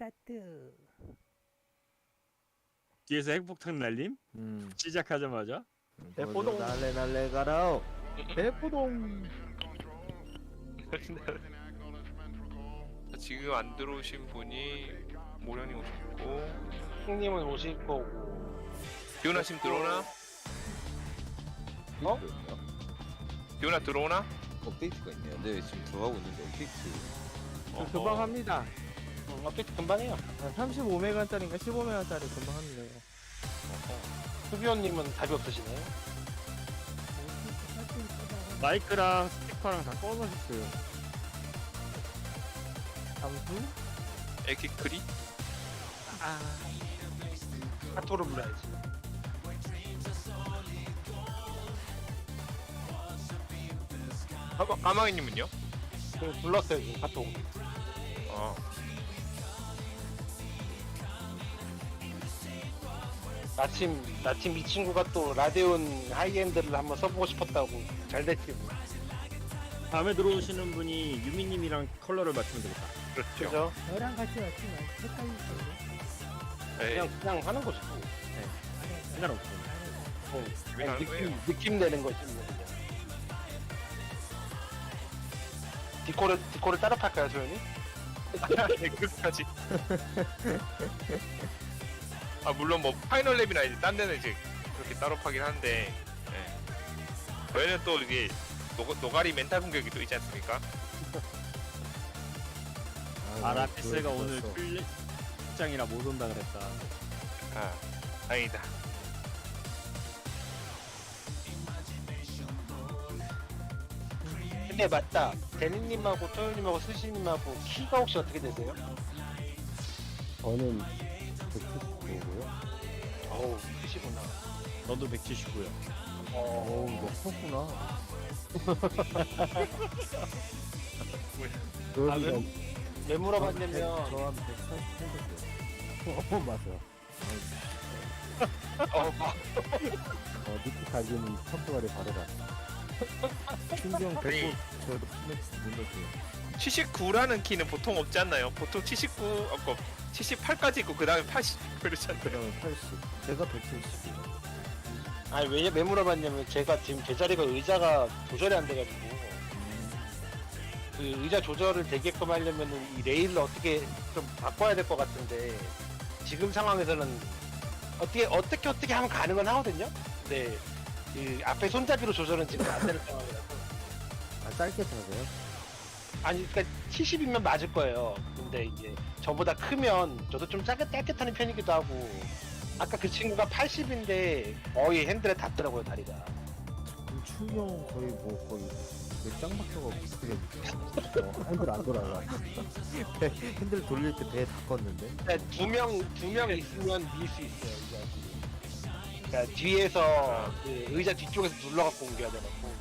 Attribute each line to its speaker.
Speaker 1: 스타트.
Speaker 2: 뒤에서 핵폭탄 날림? 시작하자마자
Speaker 3: 대포동.
Speaker 4: 날래 가라.
Speaker 3: 대포동.
Speaker 5: 지금 안 들어오신 분이 모련이 오셨고
Speaker 3: 형님은 오실 거고.
Speaker 5: 기훈아 지금 들어오나?
Speaker 3: 어?
Speaker 5: 기훈아 들어오나?
Speaker 4: 업데이트가 있네요. 네, 지금 들어가고 있는데 업데이트.
Speaker 3: 금방 합니다. 업데이트 금방 해요.
Speaker 6: 35메가짜리인가 15메가짜리 금방 합니다. 이거.
Speaker 3: 수비원님은 답이 없으시네.
Speaker 2: 마이크랑 스피커랑 다 꺼놓으셨어요.
Speaker 6: 잠수?
Speaker 5: 에키크리?
Speaker 3: 카토를 불러야지.
Speaker 5: 까마귀님은요?
Speaker 3: 불렀어요 지금 카톡.
Speaker 5: 어.
Speaker 3: 나침 이 친구가 또 라데온 하이엔드를 한번 써보고 싶었다고. 잘 됐지 뭐.
Speaker 2: 다음에 들어오시는 분이 유미님이랑 컬러를 맞추면 되겠다.
Speaker 5: 그렇죠.
Speaker 3: 그죠?
Speaker 1: 너랑 같이 맞추면 헷갈릴 거예요.
Speaker 5: 에이,
Speaker 3: 그냥 하는 거지.
Speaker 2: 상관없어.
Speaker 5: 그냥 하는 거예요.
Speaker 3: 느낌 내는 거지 뭐 그냥. 디코를 따로 팔까요 소연이?
Speaker 5: 네, 끝까지. 아 물론 뭐 파이널 랩이나 이제 딴 데는 이제 그렇게 따로 파긴 한데, 예. 저희는 또 이게 노가리 멘탈 공격이 또 있지 않습니까?
Speaker 2: 아라피스가 오늘 출장이라 못 온다 그랬다.
Speaker 5: 아 다행이다.
Speaker 3: 근데 맞다. 데니님하고 소연님하고 스시님하고 키가 혹시 어떻게 되세요?
Speaker 6: 저는 179고요.
Speaker 3: 어우 크시구나.
Speaker 2: 너도 179요.
Speaker 6: 어우, 너 컸구나.
Speaker 3: 왜
Speaker 6: 저
Speaker 3: 물어봤냐면
Speaker 6: 한 188이요. 맞아요. 니키 가기는 컴퓨터에 바로 갔어. 신경 100고 저도 눌렀어요.
Speaker 5: 79라는 키는 보통 없지 않나요? 보통 79, 78까지 있고 그 다음에 80 그렇지 않나요?
Speaker 6: 그 다음에 80. 제가 170이요.
Speaker 3: 아니 왜 물어봤냐면 제가 지금 제 자리가 의자가 조절이 안 돼가지고 그 의자 조절을 되게끔 하려면은 이 레일을 어떻게 좀 바꿔야 될 것 같은데 지금 상황에서는 어떻게 하면 가능은 하거든요. 근데 이 앞에 손잡이로 조절은 지금 안 되는 상황이라서
Speaker 6: 짧게 타세요?
Speaker 3: 아니 그러니까 70이면 맞을 거예요. 근데 이제 저보다 크면 저도 좀 짧게 타는 편이기도 하고 아까 그 친구가 80인데 거의 핸들에 닿더라고요 다리가.
Speaker 6: 충격 거의 짱 박혀가 그게 핸들 안 돌아가. 핸들 돌릴 때 배 다 껐는데.
Speaker 3: 두 명 있으면 밀 수 있어요. 그러니까 뒤에서 그 의자 뒤쪽에서 눌러갖고 옮겨야 되고